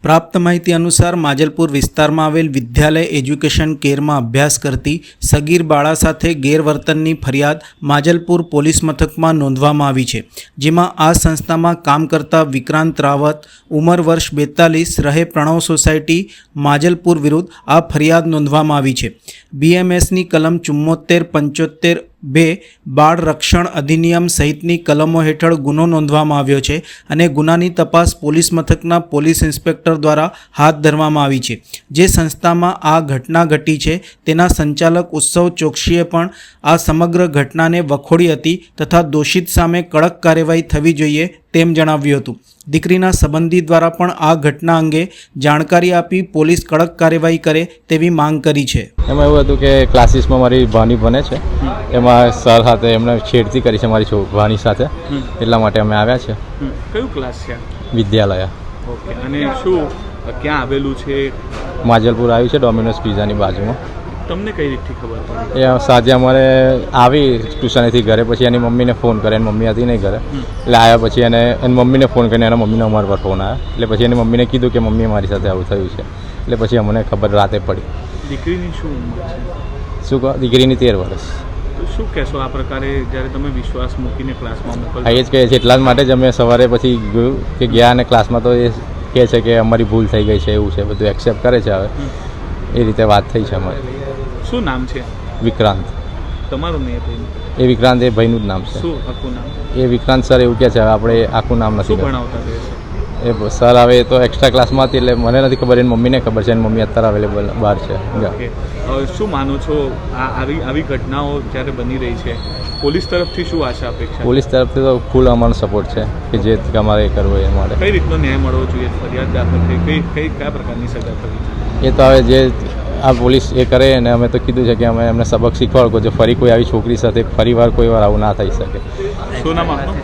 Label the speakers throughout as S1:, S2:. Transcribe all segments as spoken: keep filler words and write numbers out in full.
S1: પ્રાપ્ત માહિતી અનુસાર માજલપુર વિસ્તારમાં આવેલ વિદ્યાલય એજ્યુકેશન કેરમાં અભ્યાસ કરતી સગીર બાળા સાથે ગેરવર્તનની ફરિયાદ માજલપુર પોલીસ મથકમાં નોંધવામાં આવી છે, જેમાં આ સંસ્થામાં કામ કરતા વિક્રાંત રાવત ઉંમર વર્ષ બેતાલીસ રહે પ્રણવ સોસાયટી માજલપુર વિરુદ્ધ આ ફરિયાદ નોંધવામાં આવી છે। બીએમએસની કલમ ચુમ્મોતેર પંચોતેર બે બાળ રક્ષણ અધિનિયમ સહિતની કલમો હેઠળ ગુનો નોંધવામાં આવ્યો છે અને ગુનાની તપાસ પોલીસ મથકના પોલીસ ઇન્સ્પેક્ટર દ્વારા હાથ ધરવામાં આવી છે। જે સંસ્થામાં આ ઘટના ઘટી છે તેના સંચાલક ઉત્સવ ચોકસીએ પણ આ સમગ્ર ઘટનાને વખોડી હતી તથા દોષિત સામે કડક કાર્યવાહી થવી જોઈએ તેમ જણાવ્યું હતું। દીકરીના સંબંધી દ્વારા પણ આ ઘટના અંગે જાણકારી આપી પોલીસ કડક કાર્યવાહી કરે તેવી માંગ કરી છે।
S2: એમાં એવું હતું કે ક્લાસીસમાં મારી ભાણી ભણે છે, એમાં સર સાથે એમને છેડતી કરી છે મારી ભાણી સાથે, એટલા માટે અમે આવ્યા છે।
S3: કયું ક્લાસ છે?
S2: વિદ્યાલય।
S3: ઓકે, અને શું ક્યાં આવેલું છે?
S2: માજલપુર આવ્યું છે, ડોમિનોઝ પિઝાની બાજુમાં।
S3: તમને કઈ રીતથી ખબર પડી?
S2: એ સાંજે અમારે આવી ટ્યુશનેથી ઘરે, પછી એની મમ્મીને ફોન કરે, એની મમ્મી હતી નહીં ઘરે, એટલે આવ્યા પછી એને એની મમ્મીને ફોન કરીને એના મમ્મીને અમારા પર ફોન આવ્યા, એટલે પછી એની મમ્મીને કીધું કે મમ્મી મારી સાથે આવું થયું છે, એટલે પછી અમને ખબર રાતે પડી।
S3: દીકરીની શું ઉંમર છે?
S2: શું કહો? દીકરીની તેર વર્ષ।
S3: તો શું કહેશો આ પ્રકારે જ્યારે તમે વિશ્વાસ મૂકીને ક્લાસમાં મોકલો?
S2: હા, એ જ કહે છે, એટલા જ માટે જ અમે સવારે પછી ગયું કે ગયા અને ક્લાસમાં તો એ કહે છે કે અમારી ભૂલ થઈ ગઈ છે, એવું છે, બધું એક્સેપ્ટ કરે છે। હવે એ રીતે વાત થઈ છે અમારી।
S3: શું નામ છે?
S2: વિક્રાંત।
S3: તમારું નહીં ભાઈ?
S2: એ વિક્રાંત એ ભાઈનું જ નામ છે।
S3: શું આખું નામ?
S2: એ વિક્રાંત સર એવું કહે છે, હવે આપણે આખું નામ નથી
S3: ભણાવતા રહેશે
S2: એ સર। હવે તો એક્સ્ટ્રા ક્લાસમાં હતી એટલે મને નથી ખબર, એની મમ્મીને ખબર છે, એની મમ્મી અત્યારે અવેલેબલ બહાર છે।
S3: હવે શું માનો છો આ આવી આવી ઘટનાઓ જ્યારે બની રહી છે, પોલીસ તરફથી શું આશા અપેક્ષા?
S2: પોલીસ તરફથી તો ફૂલ અમારો સપોર્ટ છે કે જે અમારે કરવો એ માટે।
S3: કઈ રીતનો ન્યાય મળવો જોઈએ? ફરિયાદ દાખલ થઈ કઈ કઈ કયા પ્રકારની સજા થવી જોઈએ?
S2: એ તો હવે જે આ પોલીસ એ કરે ને, અમે તો કીધું છે કે અમે એમને સબક શીખવાડો જો ફરી કોઈ આવી છોકરી સાથે ફરી વાર કોઈ વાર આવું ના થઈ શકે।
S3: શું નામ આપનું?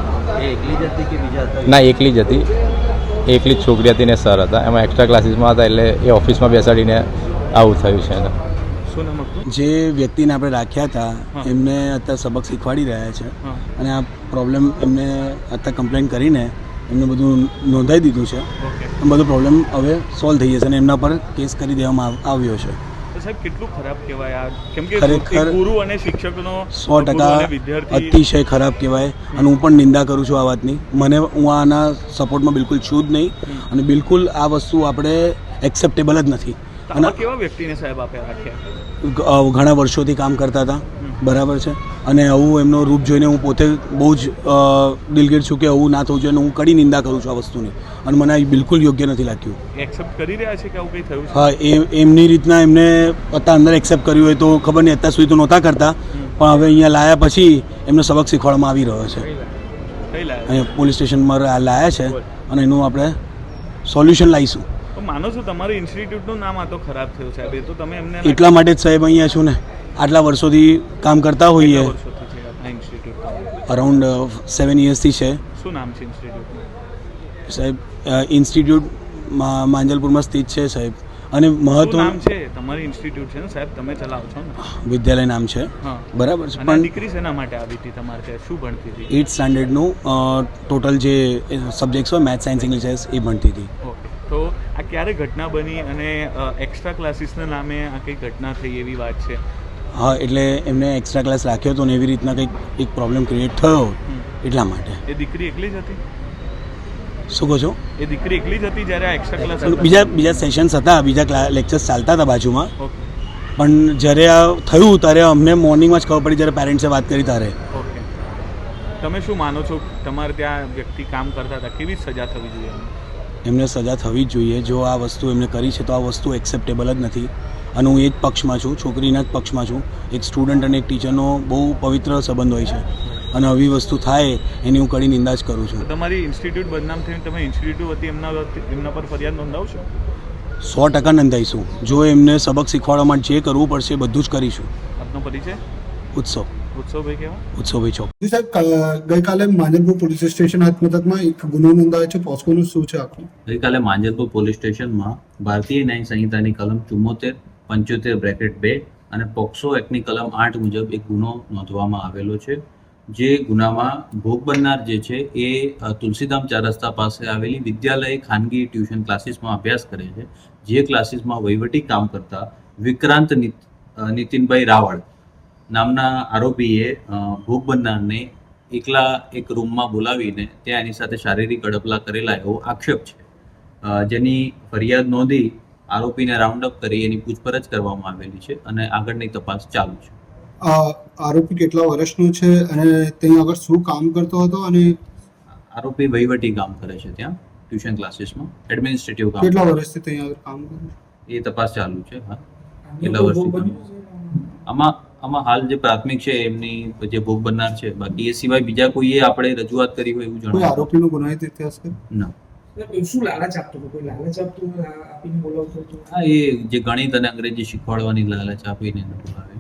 S2: ના, એકલી જ હતી, એકલી જ છોકરી હતી ને સર હતા, એમાં એક્સ્ટ્રા ક્લાસીસમાં હતા એટલે એ ઓફિસમાં બેસાડીને આવું થયું છે એને।
S3: શું નામ આપનું?
S4: જે વ્યક્તિને આપણે રાખ્યા હતા એમને અત્યારે સબક શીખવાડી રહ્યા છે અને આ પ્રોબ્લેમ એમને અત્યારે કમ્પ્લેન કરીને એમને બધું નોંધાઈ દીધું છે, બધો પ્રોબ્લેમ હવે સોલ્વ થઈ જશે અને એમના પર કેસ કરી દેવામાં આવ્યો છે।
S3: સાહેબ, કેટલું ખરાબ કહેવાય આ? કેમ કે
S4: ખરેખર
S3: ગુરુ અને શિક્ષકનો
S4: સો ટકા અતિશય ખરાબ કહેવાય અને હું પણ નિંદા કરું છું આ વાતની। મને હું આના સપોર્ટમાં બિલકુલ છું જ નહીં અને બિલકુલ આ વસ્તુ આપણે એક્સેપ્ટેબલ જ નથી।
S3: અને કેવા વ્યક્તિને સાહેબ આપે રાખ્યા?
S4: ઘણા વર્ષોથી કામ કરતા હતા, બરાબર છે, અને આવું એમનો રૂપ જોઈને હું પોતે બહુ જ દિલગીર છું કે આવું ના થવું જોઈએ અને હું કડી નિંદા કરું છું આ વસ્તુની અને મને આ બિલકુલ યોગ્ય નથી લાગ્યું।
S3: એક્સેપ્ટ કરી રહ્યા છે કે આવું કંઈ થયું છે?
S4: હા, એ એમની રીતના એમને અત્યારે અંદર એક્સેપ્ટ કર્યું હોય તો ખબર નહીં, અત્યાર સુધી તો નહોતા કરતા પણ હવે અહીંયા લાયા પછી એમને સબક શીખવાડવામાં આવી રહ્યો છે। અહીંયા પોલીસ સ્ટેશનમાં લાયા છે અને એનું આપણે સોલ્યુશન લાવીશું।
S3: માનો છો તમારી ઇન્સ્ટિટ્યૂટનું નામ આ તો ખરાબ થયું સાહેબ? એ તો તમે એમને
S4: એટલા માટે જ સાહેબ અહીંયા છું ને, આટલા વર્ષોથી કામ કરતા હોઈએ, અરાઉન્ડ સેવન યર્સથી છે।
S3: શું નામ છે ઇન્સ્ટિટ્યૂટનું?
S4: સાહેબ, ઇન્સ્ટિટ્યૂટ માંજલપુરમાં સ્થિત છે સાહેબ, અને મહત્વ
S3: નામ છે તમારી ઇન્સ્ટિટ્યૂટ છે ને સાહેબ, તમે ચલાવો છો ને?
S4: વિદ્યાલય નામ છે, બરાબર છે।
S3: પણ દીકરી શેના માટે આવી હતી તમારે ત્યાં? શું ભણતી હતી?
S4: એઇટ સ્ટાન્ડર્ડનું ટોટલ જે સબ્જેક્ટ્સ હોય મેથ્સ, સાયન્સ, ઇંગ્લિશ એ ભણતી હતી।
S3: તો આ ક્યારે ઘટના બની અને એક્સ્ટ્રા ક્લાસીસના નામે આ કઈ ઘટના થઈ એવી વાત છે?
S4: હા, એટલે એમને એક્સ્ટ્રા ક્લાસ રાખ્યો હતો ને એવી રીતના કંઈક એક પ્રોબ્લેમ ક્રિએટ થયો એટલા માટે।
S3: એ દીકરી એકલી જ હતી?
S4: શું કહો છો?
S3: એ દીકરી એકલી જ હતી જ્યારે આ એક્સ્ટ્રા ક્લાસ?
S4: બીજા બીજા સેશન્સ હતા, બીજા લેક્ચર્સ ચાલતા હતા બાજુમાં, પણ જ્યારે આ થયું ત્યારે અમને મોર્નિંગમાં જ ખબર પડી જ્યારે પેરેન્ટ્સે વાત કરી ત્યારે।
S3: ઓકે, તમે શું માનો છો તમારે ત્યાં વ્યક્તિ કામ કરતા હતા, કેવી સજા થવી જોઈએ?
S4: એમને સજા થવી જ જોઈએ। જો આ વસ્તુ એમને કરી છે તો આ વસ્તુ એક્સેપ્ટેબલ જ નથી અને હું એ જ પક્ષમાં છું, છોકરીના જ પક્ષમાં છું। એક સ્ટુડન્ટ અને એક ટીચરનો બહુ પવિત્ર સંબંધ હોય છે અને આવી વસ્તુ થાય એની હું કડી નિંદા જ કરું છું।
S3: તમારી ઇન્સ્ટિટ્યૂટ બદનામ થઈને તમે ઇન્સ્ટિટ્યૂટ વતી એમના એમના પર ફરિયાદ નોંધાવશો?
S4: સો ટકા નોંધાઈશું। જો એમને સબક શીખવાડવા માટે જે કરવું પડશે બધું જ કરીશું।
S3: આપનો પરિચય?
S4: ઉત્સવ
S3: ઉત્સવભાઈ કેવા?
S4: ઉત્સવભાઈ ચોક।
S5: સાહેબ, ગઈકાલે માંજલપુર પોલીસ સ્ટેશન મથકમાં એક ગુનો નોંધાયો છે, પોસ્કોનું શું છે આખું?
S6: ગઈકાલે માંજલપુર પોલીસ સ્ટેશનમાં ભારતીય ન્યાય સંહિતાની કલમ ચુમ્મોતેર પંચોતેર બ્રેકેટ બે અને પોક્સો એક્ટની કલમ આઠ મુજબ એક ગુનો નોંધવામાં આવેલો છે, જે ગુનામાં ભોગ બનનાર જે છે એ અ, તુલસીધામ ચાર રસ્તા પાસે આવેલી વિદ્યાલય ખાનગી ટ્યુશન ક્લાસીસમાં અભ્યાસ કરે છે. જે ક્લાસીસમાં વહીવટી કામ કરતા વિક્રાંત નિત- અ, નીતિનભાઈ રાવળ નામના આરોપીએ અ, ભોગ બનનારને એકલા એક રૂમમાં બોલાવીને ત્યાં એની સાથે શારીરિક અડપલા કરેલા એવો આક્ષેપ છે. અ, જેની ફરિયાદ નોંધી આરોપીને રાઉન્ડ અપ કરી એની પૂછપરછ કરવામાં આવેલી છે અને આગળની તપાસ ચાલુ છે.
S5: આ આરોપી કેટલા વર્ષનો છે અને ત્યાં આગળ શું કામ કરતો હતો અને
S6: આરોપી વહીવટી કામ કરે છે ત્યાં ટ્યુશન ક્લાસીસમાં એડમિનિસ્ટ્રેટિવ કામ
S5: કેટલા વર્ષથી ત્યાં આગળ કામ કરે છે?
S6: એ તપાસ ચાલુ છે. હા, કેટલા વર્ષથી આમાં આમાં હાલ જે પ્રાથમિક છે એમની જે ભોગ બનનાર છે. બાકી એ સિવાય બીજા કોઈએ આપણે રજૂઆત કરી હોય એવું
S5: કોઈ
S6: જણાવ્યું
S5: આરોપીનો ગુનાહિત ઇતિહાસ છે?
S6: ના.
S7: શું લાલચ આપતો હતો? કોઈ લાલચ આપતું આપીને બોલાવતો હતો?
S6: હા, એ જે ગણિત અને અંગ્રેજી શીખવાડવાની લાલચ આપીને એને બોલાવે.